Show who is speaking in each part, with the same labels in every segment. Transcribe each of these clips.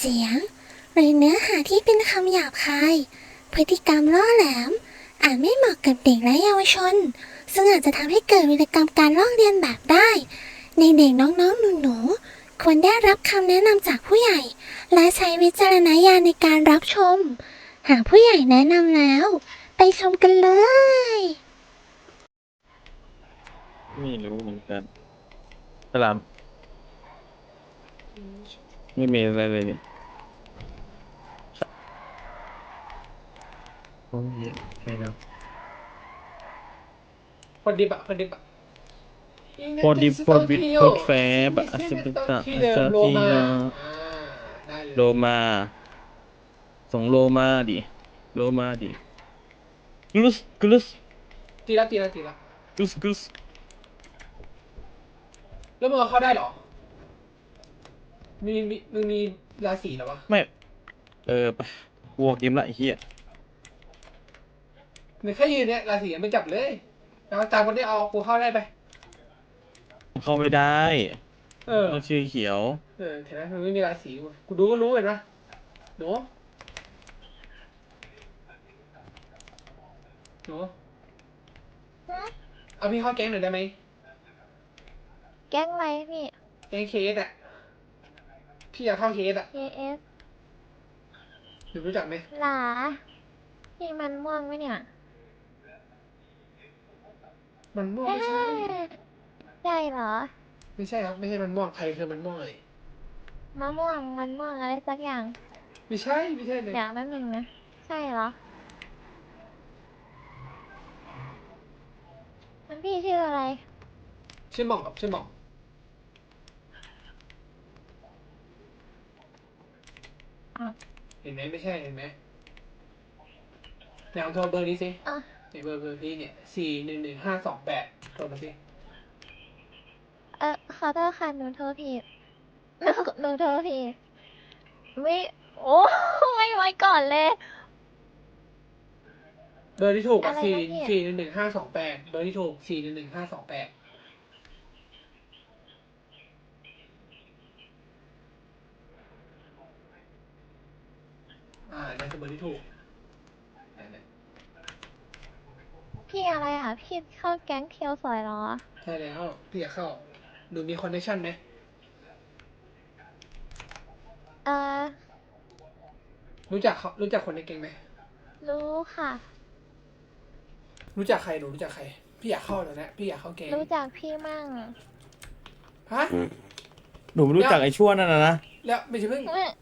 Speaker 1: สียงหรือเนื้อหาที่เป็นคำหยาบคาย พฤติกรรมล่อแหลมอาจไม่เหมาะกับเด็กและเยาวชน ซึ่งอาจจะทำให้เกิดวีรกรรมการลอกเลียนแบบได้ ในเด็กน้องๆหนูๆควรได้รับคำแนะนำจากผู้ใหญ่ และใช้วิจารณญาณในการรับชม หากผู้ใหญ่แนะนำแล้ว ไปชมกันเลย
Speaker 2: ไม่รู้เหมือนกันสลามไม่มีอะไรเลยนี่โอ้ยใช่แล้ว
Speaker 3: คนดิบอะคนดิบอะ
Speaker 2: พอดีพอบิดพอดแฟบอาจจะเป็นตา
Speaker 3: ที่
Speaker 2: อาจ
Speaker 3: เดิม
Speaker 2: จะ
Speaker 3: โล
Speaker 2: ที่
Speaker 3: มา
Speaker 2: เนาะ
Speaker 3: ได้เลย
Speaker 2: โลมาส่งโลมาดิโลมาดิกลุสกลุส
Speaker 3: ตีละ
Speaker 2: กลุสกลุส
Speaker 3: แล้วมึงเอาเข้าได้เหรอมึงมีราศีเหรอวะ
Speaker 2: ไม่ไปวัวกิมละไอ้เหี้ย
Speaker 3: มึงแค่ยืนเนี่ยราศียังไม่จับเลยแล้วตามคนที่เอากูเข้าได้ไป
Speaker 2: เข้าไม่ได้
Speaker 3: เออ
Speaker 2: ต้องชื่อเขียว
Speaker 3: เห็นไหมมันไม่มีราศีกูดูก็รู้เห็นปะหนูเอาพี่เข้าแก๊งหน่อยได้ไหม
Speaker 4: แก๊งอะไรพี่
Speaker 3: แก๊งเคสอะพี่อยากเข้าเคสอะ
Speaker 4: KS
Speaker 3: หนูรู้จักไหม
Speaker 4: หลาพี่มันม่วงไหมเนี่ย
Speaker 3: มันม่วงไม่ใช่
Speaker 4: ใช่เหรอ
Speaker 3: ไม่ใช่ครับไม่ใช่มันม่วงใครคือมันม่วงเลย
Speaker 4: มะม่วงมันม่วงอะไรสักอย่าง
Speaker 3: ไม่ใช่เลย
Speaker 4: อย่างนั้นหนึ่งนะ ใช่เหรอ มันพี่ชื่ออะไร
Speaker 3: ชื่อหม่องครับชื่อหม่องเห็นไหมไม่ใช่เห็นไหมไหนลองโทรเบอร์นี้สิ
Speaker 4: อ่ะ
Speaker 3: ในเบอร์พี่เนี่ย4111528โทรมาสิ
Speaker 4: ขอโทษค่ะหนูโทรผิดหนูโทรผิดไม่โอ้ไม่ไว้ก่อนเลย
Speaker 3: เบอร์ที่ถูก
Speaker 4: อะไรนะพี่
Speaker 3: 4111528เบอร์ที่ถูก4111528นั่นคือเบอร์ที่ถูกนั่น
Speaker 4: พี่อะไรอ่ะ พี่เข้าแก๊งเคียวสวยเหรอ
Speaker 3: ใช่แล้วพี่อยากเข้าหนูมีคอนเนคชั่นไหม
Speaker 4: เอ่อ
Speaker 3: รู้จักคนในแก๊งไหม
Speaker 4: รู้ค่ะ
Speaker 3: รู้จักใครหนูรู้จักใครพี่อยากเข้าแล้วนะพี่อยากเข้าแก๊ง
Speaker 4: รู้จักพี่มั่ง
Speaker 3: ฮะ
Speaker 2: หนูไม่รู้จักไอ้ชั่วนั่นนะ
Speaker 3: แล้วไม่ใช่เพิ่ง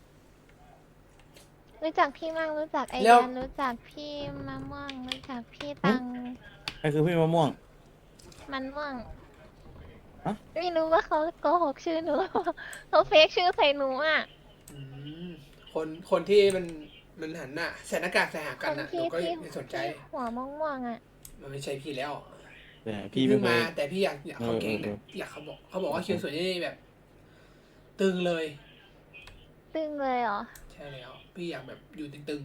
Speaker 4: รู้จักพี่มั่งรู้จักไอ
Speaker 3: แล้ว
Speaker 4: ยันรู้จักพี่มะม่วงรู้จักพี่ตัง
Speaker 2: ไอ้คือพี่มะม่วง
Speaker 4: มันม่วง
Speaker 2: ฮะ
Speaker 4: ไม่รู้ว่าเขาโกหกชื่อหนูหรือเปล่าเขาเฟกชื่อใส่หนูอ่ะ
Speaker 3: อืมคนที่มันหันหน้าใส่หน้ากากใส่หา
Speaker 4: ค
Speaker 3: กัน
Speaker 4: น
Speaker 3: น่ะห
Speaker 4: ที่
Speaker 3: นูก็
Speaker 4: ที่
Speaker 3: ไม่สนใจ
Speaker 4: ที่หัวม่วงๆอ่ะ
Speaker 3: มันไม่ใช่พี่แล้ว
Speaker 2: แต่พี่
Speaker 3: เพิ่
Speaker 2: ไม่
Speaker 3: ง
Speaker 2: เค
Speaker 3: มาย แต่พี่อยากเข้าแก๊งเนี่ยอยากเขาบอกว่าคิวสวยนี่แบบ ตึงเลย
Speaker 4: ตึงเลยเหรอ
Speaker 3: ใช่แล้วพี่อยากแบบอยู่ตึง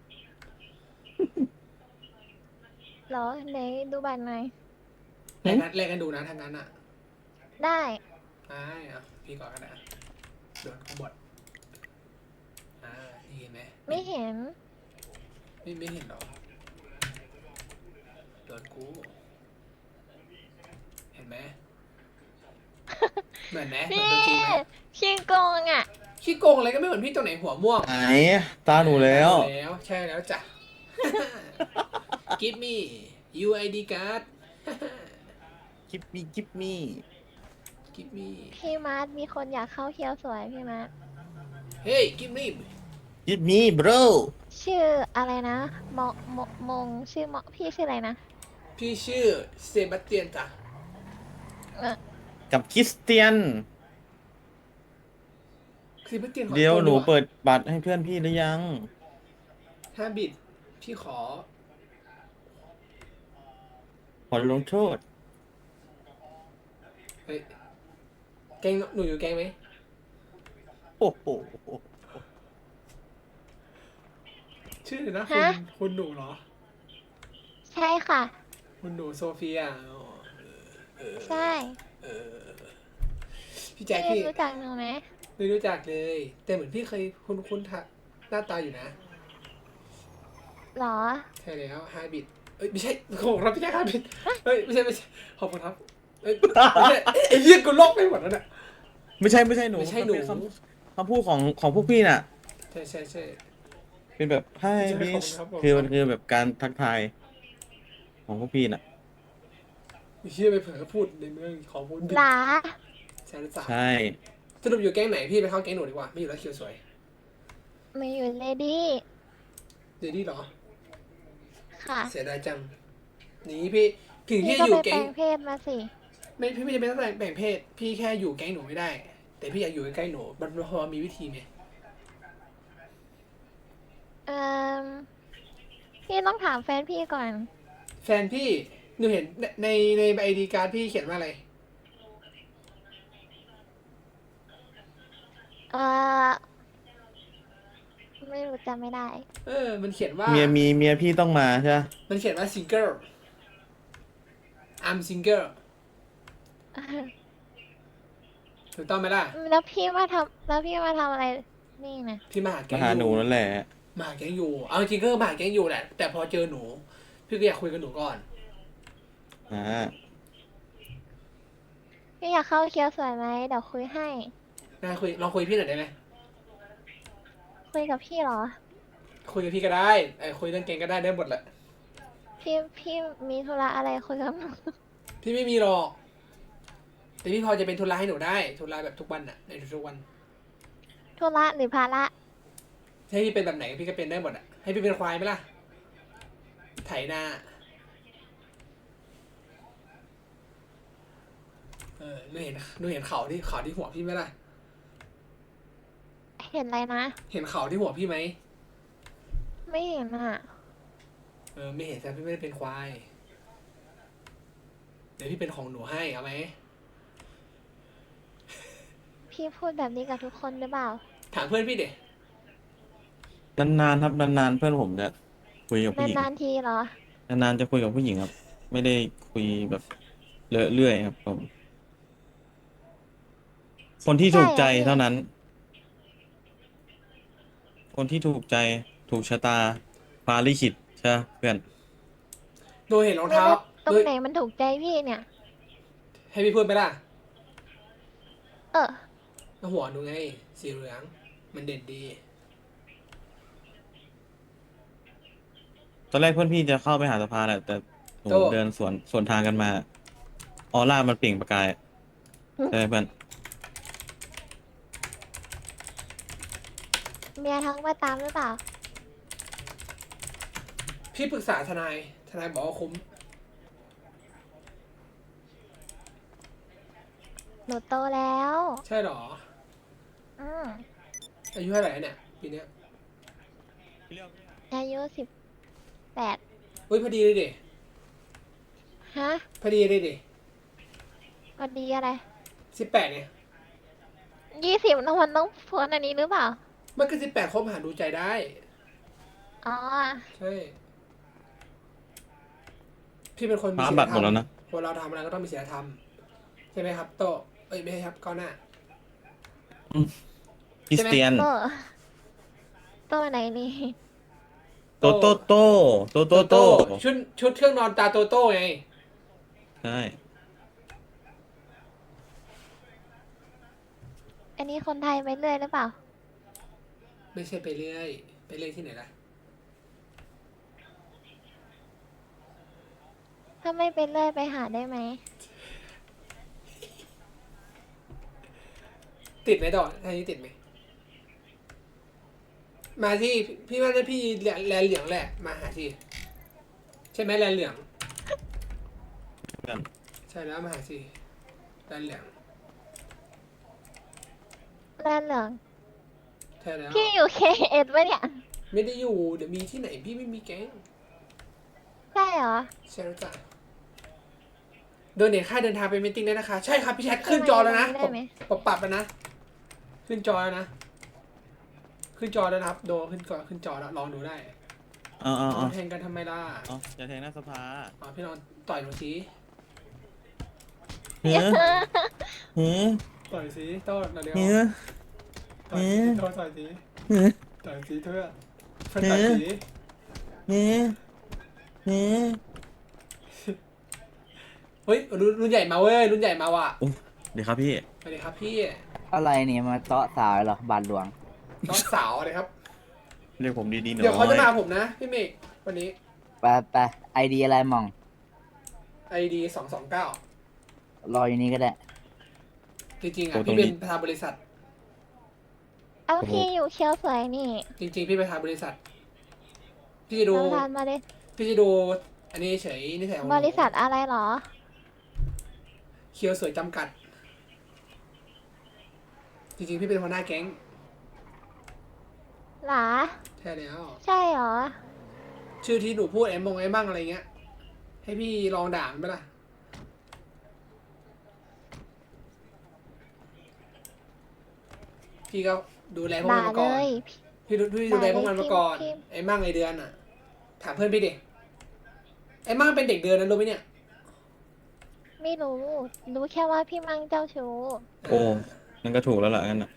Speaker 4: เหรอไหนดูบัตรหน่อย
Speaker 3: ๆแรกกันดูนะทางนั้นอ่ะ
Speaker 4: ได้
Speaker 3: อ่ะพี่ก่อนกันนะโดนขบฏนี่เห็นไหม
Speaker 4: ไม่เห็น
Speaker 3: ไม่เห็นหรอโดนกูเห็นไหมเหมือนไหมเหมือน
Speaker 4: พี่
Speaker 3: ตัวจริงไหม
Speaker 4: ขี้โกงอ่ะ
Speaker 3: ขี้โกงอะไรก็ไม่เหมือนพี่ตัวไหนหัวม่วง
Speaker 2: ไหนตาหนูแล้ว
Speaker 3: ใช่แล้วจ้ะ Give me UID card
Speaker 2: กิฟมี่กิฟมี่
Speaker 3: Give me
Speaker 4: พี่มาร์ทมีคนอยากเข้าเคียวสวยพี่มาร์ท
Speaker 3: Hey give me
Speaker 2: กิฟมี่บร
Speaker 4: ชื่ออะไรนะมงชื่อพี่ชื่ออะไรนะ
Speaker 3: พี่ชื่อเซบาสเตียนจ้ะ
Speaker 2: กับคริสเตียน
Speaker 3: เซบาสเตียนขอ
Speaker 2: เดี๋ยว
Speaker 3: ตัว
Speaker 2: หนู
Speaker 3: อะ
Speaker 2: เปิดบัตรให้เพื่อนพี่หรือยัง
Speaker 3: 5 บิตพี่ขอ
Speaker 2: ขอลงโทษ
Speaker 3: เฮ้ยแกงหนูอยู่แกงไหม
Speaker 2: โอ้โห
Speaker 3: ชื่อนะ
Speaker 4: ฮะ
Speaker 3: คุณหนูเหรอ
Speaker 4: ใช่ค่ะ
Speaker 3: คุณหนูโซเฟียอ๋อ
Speaker 4: ใช่
Speaker 3: พี่แจ็ค
Speaker 4: พี่
Speaker 3: พี่
Speaker 4: รู้จักหนูไหม
Speaker 3: ไม่รู้จักเลย แต่เหมือนพี่เคยคุ้นหน้าตาอยู่นะ
Speaker 4: หรอ
Speaker 3: ใช่แล้วฮาบิดเอ้ยไม่ใช่ขอบคุณครับพี่แจ๊คฮาบิดเอ้ยไม่ใช่ขอบคุณครับเอ้ยไม่ใช่ไอ้เหี้ยกูโลกไปหมดแล้วเนี่ย
Speaker 2: ไม่ใช่หนู
Speaker 3: ไม่ใช่หนู
Speaker 2: มันเป็นคำพูดของพวกพี่น่ะ
Speaker 3: ใช่
Speaker 2: เป็นแบบให้
Speaker 3: ใช่
Speaker 2: บิส
Speaker 3: ขอบคุณครับ
Speaker 2: คือมันคือแบบการทักทายของพวกพี่น่ะ
Speaker 3: ไอ้เหี้ยไปเผลอพูดในเมืองขอพูดบิด
Speaker 4: หลา
Speaker 3: ใช่หรือเปล่า
Speaker 2: ใช่
Speaker 3: สรุปอยู่แก๊งไหนพี่ไปเข้าแก๊งหนูดีกว่าไม่อยู่แล้วเคียวสวย
Speaker 4: มาอยู่เลดี้
Speaker 3: เดดี้เหรอ
Speaker 4: ค่ะ
Speaker 3: เสียดายจังนี่พี่ถึง
Speaker 4: พี่
Speaker 3: พี่
Speaker 4: ก็
Speaker 3: จะอ
Speaker 4: ไป
Speaker 3: ยู่
Speaker 4: แปล
Speaker 3: แก๊ง
Speaker 4: งเพศมาสิ
Speaker 3: พี่ไม่จำเป็นต้องแบ่งเพศ พี่แค่อยู่แก๊งหนูไม่ได้ แต่พี่อยากอยู่ใกล้ๆหนูมันพอมีวิธีไหม
Speaker 4: เอ่อพี่ต้องถามแฟนพี่ก่อน
Speaker 3: แฟนพี่หนูเห็นในไอดีการ์ดพี่เขียนว่าอะไร
Speaker 4: เอ่อ ไม่รู้จำไม่ได้
Speaker 3: มันเขียนว่า
Speaker 2: เมียพี่ต้องมาใช่ปะ
Speaker 3: มันเขียนว่า single I'm single ถูกต้องไหมล่ะ
Speaker 4: แล้วพี่มาทำอะไรนี่นะ
Speaker 3: พี่มาหาแก๊
Speaker 2: มาง หา
Speaker 3: อ
Speaker 2: หนู
Speaker 3: ยู่
Speaker 2: นั่นแหละ
Speaker 3: มาหาแก๊งอยู่ เอาจริงๆก็มาหาแก๊งอยู่แหละ แต่พอเจอหนู พี่ก็อยากคุยกับหนูก่อน
Speaker 2: อ่า
Speaker 4: พี่อยากเข้าเคียวสวยไหมเดี๋ยวคุยให้
Speaker 3: น่าคุยลองคุยพี่หน่อยได้ไหม
Speaker 4: คุยกับพี่เหรอ
Speaker 3: คุยกับพี่ก็ได้คุยเรื่องแก๊งก็ได้หมดแหละ
Speaker 4: พี่มีธุระอะไรคุยกับหนู
Speaker 3: พี่ไม่มีหรอก แต่พี่พอจะเป็นทุนลาให้หนูได้ทุนลาแบบทุกวันอะในทุกๆวัน
Speaker 4: ธุระหรือภาระ
Speaker 3: ให้พี่เป็นแบบไหนพี่ก็เป็นได้หมดอะให้พี่เป็นควายไหมล่ะ ไถนาหนูเห็นเขาที่หัวพี่ไหมล่ะ
Speaker 4: เห็นอะไรนะ
Speaker 3: เห็นเขาที่หัวพี่ไหม
Speaker 4: ไม่เห็นอ่ะ
Speaker 3: ไม่เห็นแต่พี่ไม่ได้เป็นควาย เดี๋ยวพี่เป็นของหนูให้เอาไหม
Speaker 4: พี่พูดแบบนี้กับทุกคนหรือเปล่า
Speaker 3: ถามเพื่อนพี่เด็
Speaker 2: นานๆครับนานๆเพื่อนผมจะคุยกับผู้หญิง
Speaker 4: นานๆทีเหรอ
Speaker 2: นานๆจะคุยกับผู้หญิงครับ ไม่ได้คุยแบบเรื่อยๆครับผม คนที่ถูกใจ
Speaker 4: ใช่เหรอ
Speaker 2: เท่านั้น คนที่ถูกใจถูกชะตาฟ้าลิขิตใช่ปะเพื่อน
Speaker 3: หนูเห็นรอง
Speaker 4: ไม่
Speaker 3: เท้า
Speaker 4: รู้ตร
Speaker 3: หนู
Speaker 4: งไหนมันถูกใจพี่เนี่ย
Speaker 3: ให้พี่พูดไหมล่ะ
Speaker 4: เออ
Speaker 3: หัวหนูไงสีเหลืองมันเด่นดี
Speaker 2: ตอนแรกเพื่อนพี่จะเข้าไปหาสภาแหละแต่หนู
Speaker 3: โต้
Speaker 2: เดินสวนทางกันมา ออร่ามันเปล่งประกายใช่ไหมเพื่อน
Speaker 4: เมียทั้งมาตามหรือเปล่า
Speaker 3: พี่ปรึกษาทนายบอกว่าคุ้ม
Speaker 4: หนูโตแล้ว
Speaker 3: ใช่เหรอ
Speaker 4: อืม
Speaker 3: อายุเท่าไหร่เนี่ยปีเนี้ย
Speaker 4: อายุ18
Speaker 3: อุ้ยพอดีเลยดิ
Speaker 4: ฮะ
Speaker 3: พอดีเลยดิ
Speaker 4: วันดีอะไร
Speaker 3: 18เนี่ย
Speaker 4: 20น้องมันต้องพ้นอันนี้หรือเปล่า
Speaker 3: มันก็18คบหาดูใจได้
Speaker 4: อ๋อ
Speaker 3: ใช่ พี่เป็นคนมี
Speaker 2: ฟ้า
Speaker 3: ศีล
Speaker 2: บัตร
Speaker 3: ธ
Speaker 2: ห
Speaker 3: ร
Speaker 2: ม
Speaker 3: ร
Speaker 2: ดแล้ว
Speaker 3: ม
Speaker 2: นะ
Speaker 3: คนเราทำอะไรก็ต้องมีศีลธรรมใช่ไหมครับโตเอ้ยไม่ใช่ครับก้าวหน้า
Speaker 2: คริสเตียน
Speaker 4: โตไหนนี่
Speaker 2: โตโต
Speaker 3: ชุดเครื่องนอนตาโตโต้ไง
Speaker 2: ใช่
Speaker 4: อันนี้คนไทยไปเรื่อยหรือเปล่า
Speaker 3: ไม่ใช่ไปเรื่อยที่ไหนล่ะ
Speaker 4: ถ้าไม่ไปเรื่อยไปหาได้ไหม
Speaker 3: ติดไหมต่อท่านี้ติดไหมมาที่พี่ว่าจะพี่แลนเหลืองแหละมาหาที่ใช่ไหมแลนเหลือง
Speaker 2: เพื่อน
Speaker 3: ใช่แล้วมาหาที่แลนเหลือง
Speaker 4: แลนเหลือง
Speaker 3: ใช่แล้ว
Speaker 4: พี่อยู่เคเอ็ดปะเนี่ย
Speaker 3: ไม่ได้อยู่เดี๋ยวมีที่ไหนพี่ไม่มีแก๊ง
Speaker 4: ใช่เหรอ
Speaker 3: ใช่แล้วจ้ะโดนเนทค่าเดินทางไปมีตติ้งได้นะคะ ใช่ครับพี่แชทขึ้นจอแล้วนะ
Speaker 4: ได้ไหม
Speaker 3: ปรับแล้วนะ ขึ้นจอแล้วนะ ขึ้นจอแล้วนะครับโดนขึ้นจอแล้วลองดูได้
Speaker 2: เอา
Speaker 3: แทงกันทำไมล่ะ
Speaker 2: อย่าแทงหน้าสภา
Speaker 3: พี่ลองต่อยหนูสิ
Speaker 2: เฮ้ยเฮ้ย
Speaker 3: ต่อยสิโต้เร็ว
Speaker 2: เฮ้ย
Speaker 3: ต่อยสีโทษต่อยสีต่อยสีเพื่อนเพื่อนต่อยสี เฮ้ยรุ่นใหญ่มาเว้ยรุ่นใหญ่มาว่ะ
Speaker 2: เดี๋ยวครับพี่
Speaker 3: สวัสดีครับพี่
Speaker 5: อะไรเนี่ยมาเตาะสาวเหรอบาทหลวง
Speaker 3: น้องสาวเลยครับ
Speaker 2: เรียกผมดีๆหน่อย
Speaker 3: เดี๋ยวเขาจะมาผมนะพี่เมฆวันนี้
Speaker 5: ไปไอเดียอะไรมอง
Speaker 3: ID 229
Speaker 5: รออยู่นี่ก็ได้
Speaker 3: จริงๆอ่ะพี่เป็นประธานบริษัท
Speaker 4: เอาพี่อยู่เชียวสวยนี่
Speaker 3: จริงๆพี่ประธานบริษัท พี่จะดู
Speaker 4: เราทานมาเลย
Speaker 3: พี่จะดูอันนี้เฉยนิสัยของหนู
Speaker 4: บริษัทอะไรเหรอ
Speaker 3: เคียวสวยจำกัด จริงๆพี่เป็นหัวหน้าแก๊ง
Speaker 4: หรอ
Speaker 3: ใช่แล้ว
Speaker 4: ใช่เหรอ
Speaker 3: ชื่อที่หนูพูดไอ้มงไอ้บ้างอะไรเงี้ย ให้พี่ลองด่ามันไหมล่ะ พี่ก็ดูแลพวก
Speaker 4: ด่า
Speaker 3: มันมา
Speaker 4: เล
Speaker 3: ก่อน
Speaker 4: ย
Speaker 3: พี่ดูแลพวกมันมาก่อน
Speaker 4: พิมพ์
Speaker 3: ไอ้มั่งไอ้เดือนอ่ะ ถามเพื่อนพี่ดิ ไอ้มั่งเป็นเด็กเดือนนะรู้ไหมเนี่ย
Speaker 4: ไม่รู้ รู้แค่ว่าพี่มังเจ้าชู้
Speaker 2: โอ้นั่นก็ถูกแล้วล่ะงั้นน่ะ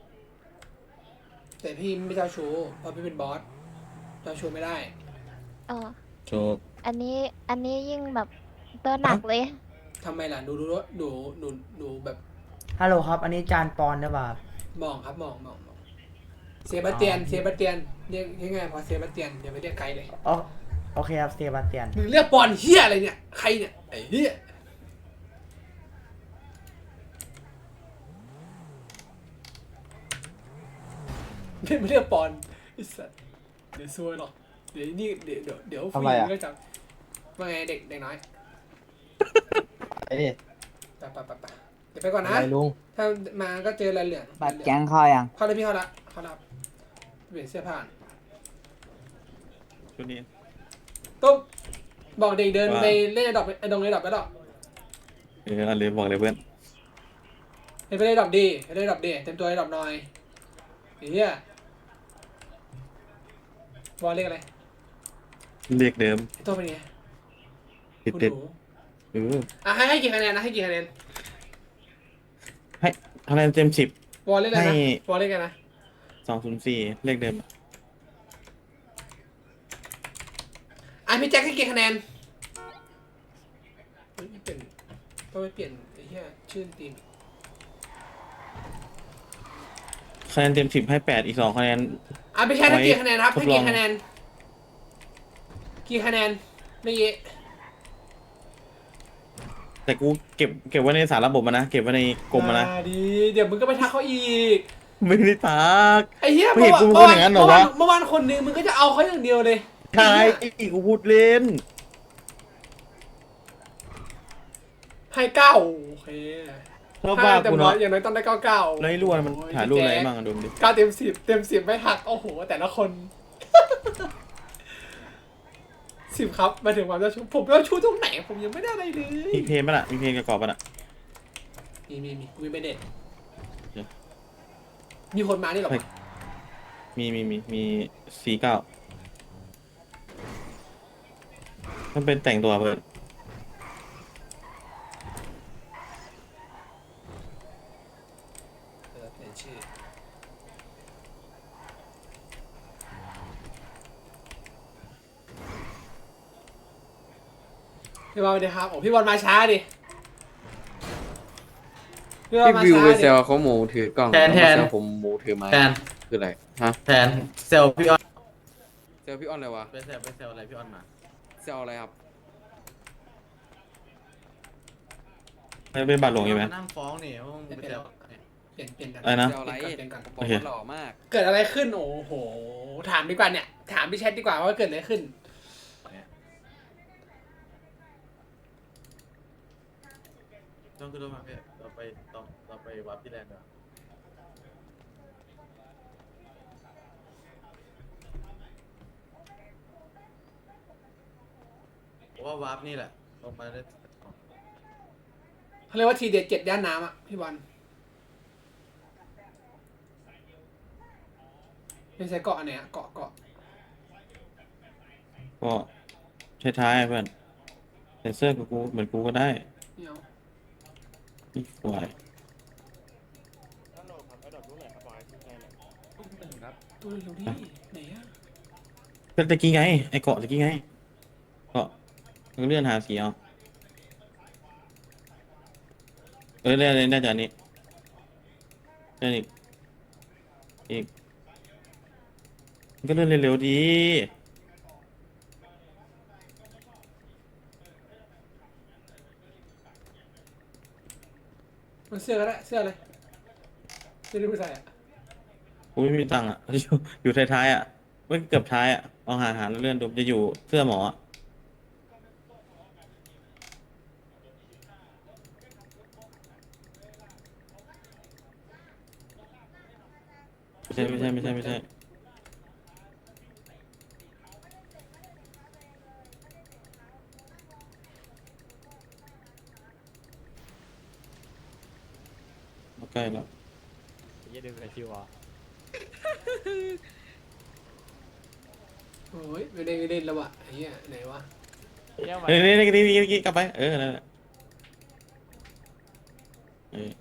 Speaker 3: แต่พี่ไม่เจ้าชู้เพราะพี่เป็นบอส เจ้าชู้ไม่ได้
Speaker 4: อ๋อ
Speaker 2: โชค
Speaker 4: อันนี้ยิ่งแบบตัวหนักเลย
Speaker 3: ทำไมล่ะหนูแบบ
Speaker 6: ฮัลโหลครับ อันนี้จานปอนหรือเปล่าครับ
Speaker 3: มองครับมองเซบาสเตียนเรียกง่ายๆพอเซบาสเตียนอย่าไปเรียกไกลเลย
Speaker 6: อ๋อโอเคครับเซบาสเตียน
Speaker 3: มึงเรียกปอนเฮียอะไรเนี่ย ใครเนี่ยไอ้เฮียไม่เรียกปอนไอ้สัสเดี๋ยวซวยหรอกเดี๋ยวนี่เดี๋ยวผู้หญิงก็จับว่าไงเด็กน้อย
Speaker 7: ไอ้นี่
Speaker 3: ไปเดี๋ยวไปก่อนนะ
Speaker 7: อะไรลุง
Speaker 3: ถ้ามาก็เจออะไรเหลือง
Speaker 5: บัตรแก๊งเข้ายัง
Speaker 3: เข้าเลยพี่เข้าละเปลี่ยนเสื้อผ้า
Speaker 2: ชุดนี้
Speaker 3: ตุ๊บบอกเด็กเดิน
Speaker 2: ว่า
Speaker 3: ไปเล่นไอ้ดอกไอ้ดงไอ้ดอกไปดอก
Speaker 2: อันเลยบอกเลยเพื่อน
Speaker 3: ไปเล่นดอกดีไปเล่นดอกดีเต็มตัวไอ้ดอกหน่อยไอ้เหี้ยบอลเรียกอะไร
Speaker 2: เรียกเดิม
Speaker 3: ไอ้ตัวเป็นไง
Speaker 2: ติด
Speaker 3: คุณ
Speaker 2: ติด
Speaker 3: หนู ให้กี่คะแนนนะให้กี่คะแนน
Speaker 2: ให้คะแนนเต็ม10
Speaker 3: บอลเรียกอะไร
Speaker 2: ให้
Speaker 3: นะบอลเรียกอะไรนะ
Speaker 2: 204เรียกเดิม
Speaker 3: พี่แจ็คให้กี่คะแนนเฮ้ยเปลี่ยนต้องไปเปลี่ยนไอ้เหี้ยชื่อทีม
Speaker 2: คะแนนเต็ม10ให้8อีก2คะแนน
Speaker 3: พี่แจ็คให้กี่คะแนนครับ
Speaker 2: ทด
Speaker 3: ให้
Speaker 2: ลอง
Speaker 3: กี่คะแนนเมื่อกี้
Speaker 2: แต่กูเก็บไว้ในสารระบบมานะเก็บไว้ในกรมมานะ
Speaker 3: ดีเดี๋ยวมึงก็ไปทักเขาอีก
Speaker 2: ไม่ได้ทัก
Speaker 3: ไอ้เหี้ย
Speaker 2: ไม่เห็นกูพูดอย่างนั้นเหรอวะ
Speaker 3: เมื่อวานคนนึงมึงก็จะเอาเขาอย่างเดียวเลย
Speaker 2: ใช่กูพูดเล่น
Speaker 3: ให้เก้าโอเค
Speaker 2: ชอบว่า
Speaker 3: แต่
Speaker 2: กู
Speaker 3: น้อย
Speaker 2: เนาะ
Speaker 3: อย่างน้อยต้องได้เก้า
Speaker 2: แล้วไอ้รั่วมันถ่ายรูปอะไรบ้างอะดูดิ
Speaker 3: เก้าเต็ม10ไม่หักโอ้โหแต่ละคน 10ครับมาถึงความเจ้าชู้ผมเจ้าชู้ตรงไหนผมยังไม่ได้อะไรเลย
Speaker 2: มีเพลงป่ะล่ะมีเพลงประกอบป่ะล่ะ
Speaker 3: มีไปเด็ด
Speaker 2: เดี๋ยว
Speaker 3: มีคนมานี่หรอ
Speaker 2: มี49มันเป็นแต่งตัวเพื่อน
Speaker 3: เปลี่ยนชื่อพี่บอลสวัสดีครับโอ้พี่บอลมาช้าดิพี่บอล
Speaker 8: พี่
Speaker 3: มา
Speaker 8: วิว
Speaker 3: ช้า
Speaker 8: ไป
Speaker 3: ดิ
Speaker 8: เซลเขาหมูถือกล้อง
Speaker 7: แทน
Speaker 8: ล้วมาเซลผมหมูถือไม้
Speaker 7: แทน
Speaker 8: คืออะไรฮะ
Speaker 7: แทนเซลพี่ออน
Speaker 8: เซลพี่อ้อนอะไรวะ
Speaker 7: ไปเซลอะไรพี่ออนมา
Speaker 8: เซลอะไรครับ
Speaker 2: ไม่เป็นบาทหลวงอยู่ไหม
Speaker 7: นั่งฟ้องนี่ว่ามึงไปเซล
Speaker 3: เปลี่ยนกัน
Speaker 2: อะไรนะ
Speaker 8: เซลอะไร
Speaker 3: เปลี่ยนกัน
Speaker 8: บอก
Speaker 2: โอเค
Speaker 8: ว่าหล่อมาก
Speaker 3: เกิดอะไรขึ้นโอ้โหถามดีกว่าเนี่ยถามพี่แชทดีกว่าว่าเกิดอะไรขึ้น
Speaker 7: ต้องขึ้นรถมาพี่เราไปวัดที่แลนด์ดีกว่าผมว่าวาร์ปนี่แหละลงมาได้
Speaker 3: เขาเรียกว่าทีเด็ด7ย่านน้ำอ่ะพี่บอลไม่ใช่เกาะอันไหนอะเกาะ
Speaker 2: ก็ท้ายๆเพื่อนใส่เสื้อกับกูเหมือนกูก็ได้
Speaker 3: เนี่ยเอา
Speaker 2: นี่ควาย
Speaker 3: ตัวเร็วดิไหนอะ
Speaker 2: ก็ตะกี้ไงไอ้เกาะตะกี้ไงเกาะมึงเลื่อนหาสีเอาเลื่อนน่าจะอันนี้เลื่อนอีกมันก็เลื่อนเร็วๆดี
Speaker 3: มันเสื้อก็ได้เสื้ออะไรเสื้อที่ผู้ชายอะ
Speaker 2: กูไม่มีตังค์อ่ะ อยู่ท้ายๆอ่ะไม่เกือบท้ายอ่ะลองหาแล้วเลื่อนดูจะอยู่เสื้อหมออ่ะไม่ใช่มาใกล้แล้ว
Speaker 3: โอ้ยไม่ได้เล่นแล้ววะไอ้เหี้ยไหนวะ
Speaker 2: นี่กลับไปนั่นแหละเออก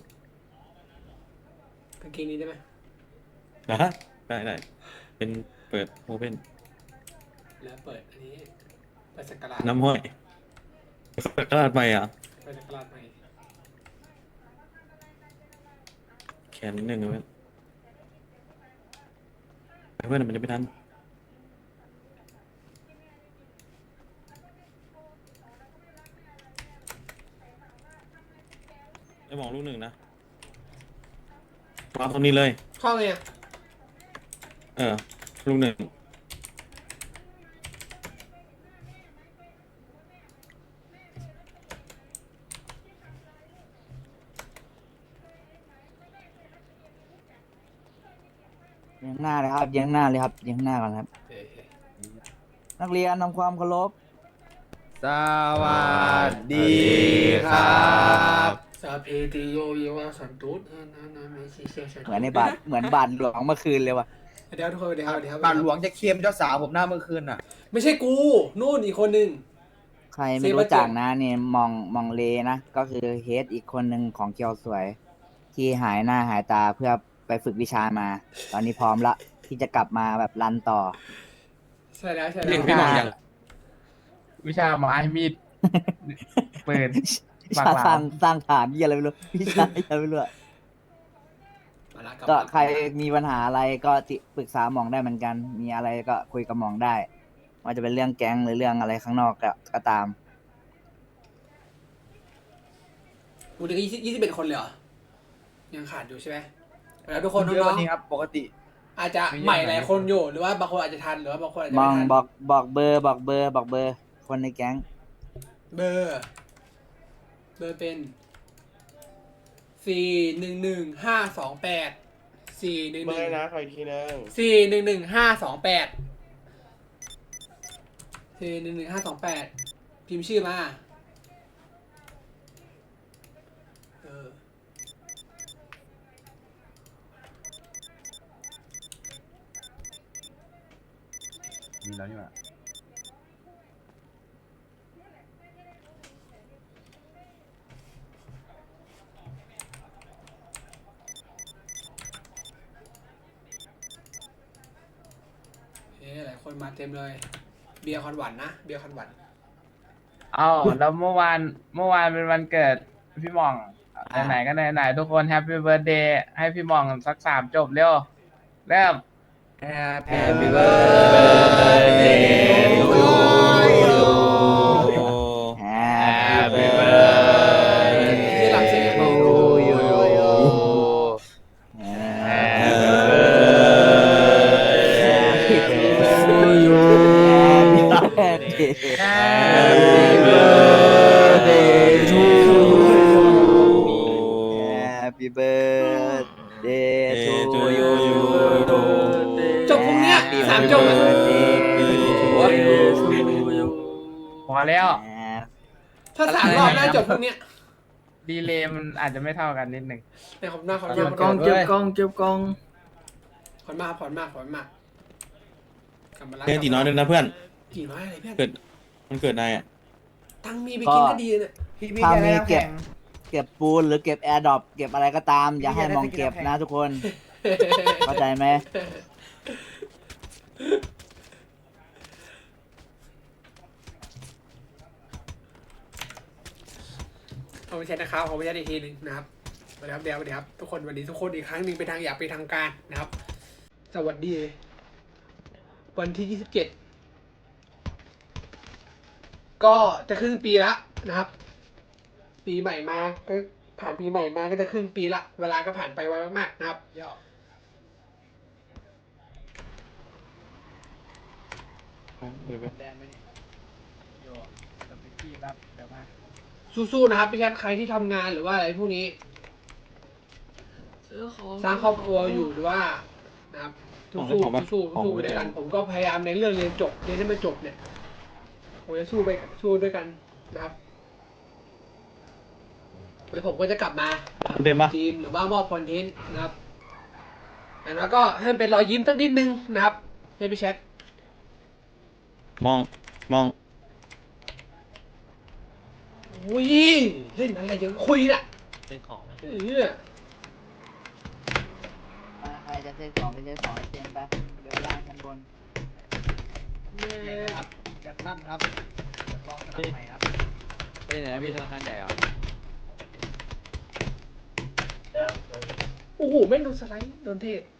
Speaker 3: างเกงนี้ได้ไหม
Speaker 2: ได้เป็นเปิดโอเพ่น
Speaker 3: แล้วเปิดอันนี้ไปสักการะ
Speaker 2: น้ำห้อยกระดาษไปอ่ะ
Speaker 3: ไปสักการะใหม่
Speaker 2: แขนนิดนึงนะเพื่อนมันจะไม่ทันไอ้หมองลูกหนึ่งนะวางตรงนี้เลย
Speaker 3: ข้อไงอะ
Speaker 2: ลูกหนึ่ง
Speaker 5: ยังหน้าเลยครับยังหน้าเลยครับยังหน้าก่อนครับ
Speaker 3: เอ้ย
Speaker 5: นักเรียนทำความเคารพ
Speaker 8: สวัสดีครับ
Speaker 3: ซาเพติโยเยวาสันตุสนาไม่ใช่เชี่ยวชาญ
Speaker 5: เหมือนในบาทเหมือนบาทหลวงเมื่อคืนเลยว่ะ
Speaker 3: เดี๋ยวทุกคนเดี๋ยว
Speaker 8: บ้านหลวงจะเค็มเจ้าสาวผมหน้าเมื่อคืนน่ะ
Speaker 3: ไม่ใช่กูนู่นอีกคนหนึ่ง
Speaker 5: ใครไม่รู้จักนะเนี่ยมองเลนะ ก็คือเฮดอีกคนหนึ่งของเกียวสวย ที่หายหน้าหายตาเพื่อไปฝึกวิชามา ตอนนี้พร้อมละที่จะกลับมาแบบรันต่อ
Speaker 3: ใช่แล้วใช่
Speaker 8: เรี
Speaker 3: แล้
Speaker 8: ยกพี่หมองยัง
Speaker 9: วิชาไม้มีดปืน
Speaker 5: วิชาสร้างฐานยี่อะไรไม่รู้วิชาอะไรไม่รู้อะ
Speaker 3: มาละ
Speaker 5: ก็ใครมีปัญหาอะไรก็ปรึกษาหมองได้เหมือนกัน มีอะไรก็คุยกับหมองได้ว่าจะเป็นเรื่องแก๊งหรือเรื่องอะไรข้างนอกก็ตาม
Speaker 3: กูเหลือ21 คนเลยเหรอยังขาดอยู่ใช่ไหมแล้วทุกคน
Speaker 8: เย
Speaker 3: น้อ
Speaker 8: อะ
Speaker 3: ง
Speaker 8: นี่ครับปกติ
Speaker 3: ๆอาจจะใหม่หลายคนอยู่หรือว่าบางคนอาจจะทันหรือว่าบางคนอาจจะ
Speaker 5: ม
Speaker 3: ไม่
Speaker 5: อง
Speaker 3: ทัน
Speaker 5: บอกเบอร์คนในแก๊ง
Speaker 3: เบอร์เป็น411-528 411เบอร์นะขออีกทีนึง411-528 411-528 พิมพ์ชื่อมา
Speaker 8: มีแล้วนี่หว่า
Speaker 3: หลายคนมาเต็มเลย เบียร์คอนหวันนะเบียร์คอนหวัน
Speaker 9: เอ้าแล้วเมื่อวานเป็นวันเกิดพี่หม่องไหนๆก็ไหนๆทุกคนแฮปปี้เบิร์ดเดย์ให้พี่หม่องสัก3 จบเร็วเริ่ม
Speaker 8: Happy birthday to you
Speaker 5: Happy
Speaker 8: birthday
Speaker 3: ที่หลังเสียง
Speaker 8: to you
Speaker 5: Happy
Speaker 8: birthday to
Speaker 5: Happy birthday to you
Speaker 3: จบพรุ่งเนี้ย3 จบอะ
Speaker 9: พอแล้ว
Speaker 3: ถ้า3 รอบน่าจบพรุ่งเนี้ย
Speaker 9: ดีเลย์มันอาจจะไม่เท่ากันนิดหนึ่ง
Speaker 3: ในขอบหน้าขอบ
Speaker 8: เก็บ
Speaker 3: มาก
Speaker 8: กล้อง
Speaker 3: ขอบมากกลับมาแล้ว
Speaker 2: เพื่อนตีน้อยด้วยนะเพื่อน
Speaker 3: กี่น้อยอะไรเพื่อน
Speaker 2: เกิดมันเกิดนายอ่ะ
Speaker 3: ตังค์มีไปกินก็ดีเนี่ย
Speaker 5: ถ้ามีเก็บปูนหรือเก็บแอร์ดรอปเก็บอะไรก็ตาม อย่าให้มองเก็บนะทุกคน เข้าใจไหม
Speaker 3: เอาไม่ใช่นะครับขอไม่ใช่อีกทีหนึ่งนะครับสวัสดีครับเดี๋ยวสวัสดีครับทุกคนวันนี้ทุกคนอีกครั้งหนึ่งเป็นทางอยากเป็นทางการนะครับ สวัสดีวันที่ 27 ก็จะครึ่งปีละนะครับ ปีใหม่มาก็ผ่านปีใหม่มาก็จะครึ่งปีละเวลาก็ผ่านไปไวมากๆนะครับสู้ๆนะครับพี่แคทใครที่ทำงานหรือว่าอะไรพวกนี้สร้างครอบครัวอยู่หรือว่านะครับสู้ๆสู้ไปด้วยกันผมก็พยายามในเรื่องเรียนจบเรียนให้มันจบเนี่ยผมจะสู้ด้วยกันนะครับแล้วผมก็จะกลับมา
Speaker 2: เดินมา
Speaker 3: ทีมหรือว่ามอบคอนเทนต์นะครับแล้วก็ให้มันเป็นรอยยิ้มสักนิดนึงนะครับให้พี่แชท
Speaker 2: มอง
Speaker 3: อุ้ยเล่นอะไรยังคุยน่ะ
Speaker 7: เป็นของ
Speaker 5: ใครจะซื้อของไปซื้อของให้เต็มไปเดี๋ยวล่างชั้นบน
Speaker 3: จัดนั่นครับลองสนับใหม่ครับ
Speaker 8: ไปไหนนะพี่ธนาคารใหญ่เหรอ
Speaker 3: โอ้โหแม่งโดนสไลด์โดนเทศ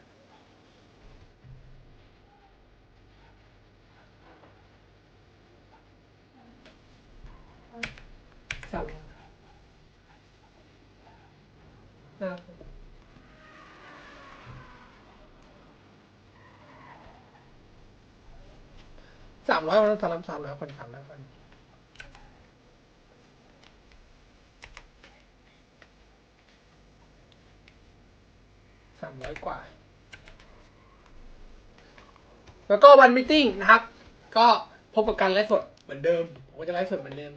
Speaker 3: สั่งนะครับ300วัน300คน300 คน300 กว่า แล้วก็วันมตติ팅นะครับ ก็พบกับการไลฟ์สดเหมือนเดิมผมก็จะไลฟ์สดเหมือนเดิม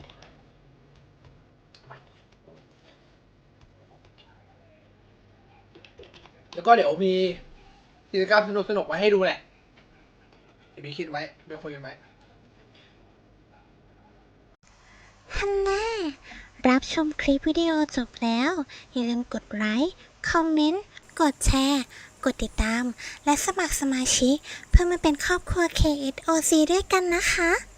Speaker 3: แล้วก็เดี๋ยวมีกิจกรรมสนุกๆไว้ให้ดูแหละเดี๋ยวมีคิดไว้ไปคุยกันไว้
Speaker 1: ฮันน่ารับชมคลิปวิดีโอจบแล้ว อย่าลืมกดไลค์ คอมเมนต์ กดแชร์ กดติดตาม และสมัครสมาชิกเพื่อมาเป็นครอบครัว KSOC ด้วยกันนะคะ